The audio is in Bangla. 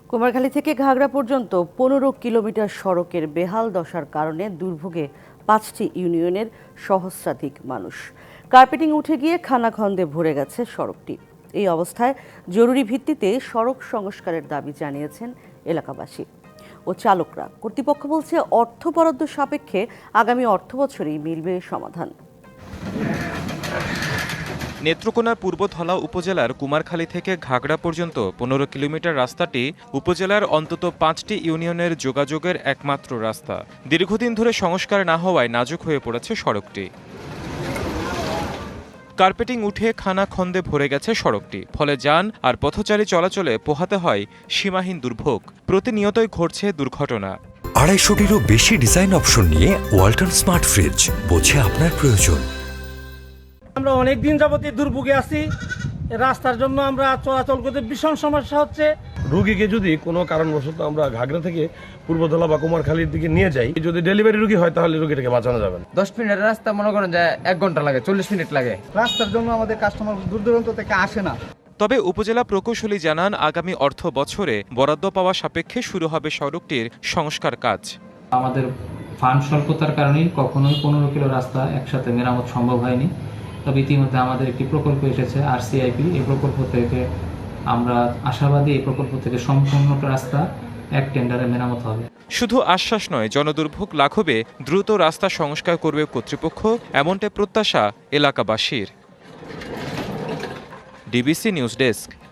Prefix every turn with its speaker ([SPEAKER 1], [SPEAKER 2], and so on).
[SPEAKER 1] কুমারখালী থেকে ঘাগড়া পর্যন্ত ১৫ কিলোমিটার সড়কের বেহাল দশার কারণে দুর্ভোগে ৫টি ইউনিয়নের সহস্রাধিক মানুষ। কার্পেটিং উঠে গিয়ে খানাখন্দে ভরে গেছে সড়কটি। এই অবস্থায় জরুরি ভিত্তিতে সড়ক সংস্কারের দাবি জানিয়েছেন এলাকাবাসী ও চালকরা। কর্তৃপক্ষ বলছে, অর্থ বরাদ্দ সাপেক্ষে আগামী অর্থবছরেই মিলবে সমাধান।
[SPEAKER 2] নেত্রকোনার পূর্বধলা উপজেলার কুমারখালী থেকে ঘাগড়া পর্যন্ত ১৫ কিলোমিটার রাস্তাটি উপজেলার অন্তত ৫টি ইউনিয়নের যোগাযোগের একমাত্র রাস্তা। দীর্ঘদিন ধরে সংস্কার না হওয়ায় নাজুক হয়ে পড়েছে সড়কটি। কার্পেটিং উঠে খানাখন্দে ভরে গেছে সড়কটি, ফলে যান আর পথচারী চলাচলে পোহাতে হয় সীমাহীন দুর্ভোগ। প্রতিনিয়তই ঘটছে দুর্ঘটনা।
[SPEAKER 3] ২৫০টিরও বেশি ডিজাইন অপশন নিয়ে ওয়ালটন স্মার্ট ফ্রিজ, বোঝে আপনার প্রয়োজন।
[SPEAKER 4] আমরা অনেক দিন যাবতীয় দুর্ভোগে আছি। রাস্তার জন্য আমরা চলাচল করতে ভীষণ সমস্যা হচ্ছে।
[SPEAKER 5] রোগীকে যদি কোনো কারণবশত আমরা ঘাগড়া থেকে পূর্বধলা বা কুমারখালীর দিকে নিয়ে যাই, যদি ডেলিভারি রোগী হয় তাহলে রোগীটাকে বাঁচানো যাবে।
[SPEAKER 6] 10 মিনিটের রাস্তা মনে করেন যে 1 ঘন্টা লাগে, 40 মিনিট লাগে।
[SPEAKER 7] রাস্তার জন্য আমাদের কাস্টমার দূর দূরান্ত থেকে আসে না।
[SPEAKER 2] তবে উপজেলা প্রকৌশলী জানান, আগামী অর্থ বছরে বরাদ্দ পাওয়া সাপেক্ষে শুরু হবে সড়কটির সংস্কার কাজ।
[SPEAKER 8] আমাদের ফান্ড স্বল্পতার কারণেই কখনোই 15 কিলো রাস্তা একসাথে মেরামত সম্ভব হয়নি। তবে ইতিমধ্যে আমাদের একটি প্রকল্প এসেছে RCIP। এই প্রকল্প থেকে আমরা আশাবাদী, এই প্রকল্প থেকে সম্পূর্ণ রাস্তা এক টেন্ডারে মেরামত হবে।
[SPEAKER 2] শুধু আশ্বাস নয়, জনদুর্ভোগ লাঘবে দ্রুত রাস্তা সংস্কার করবে কর্তৃপক্ষ, এমনটাই প্রত্যাশা এলাকাবাসীর। DBC news desk.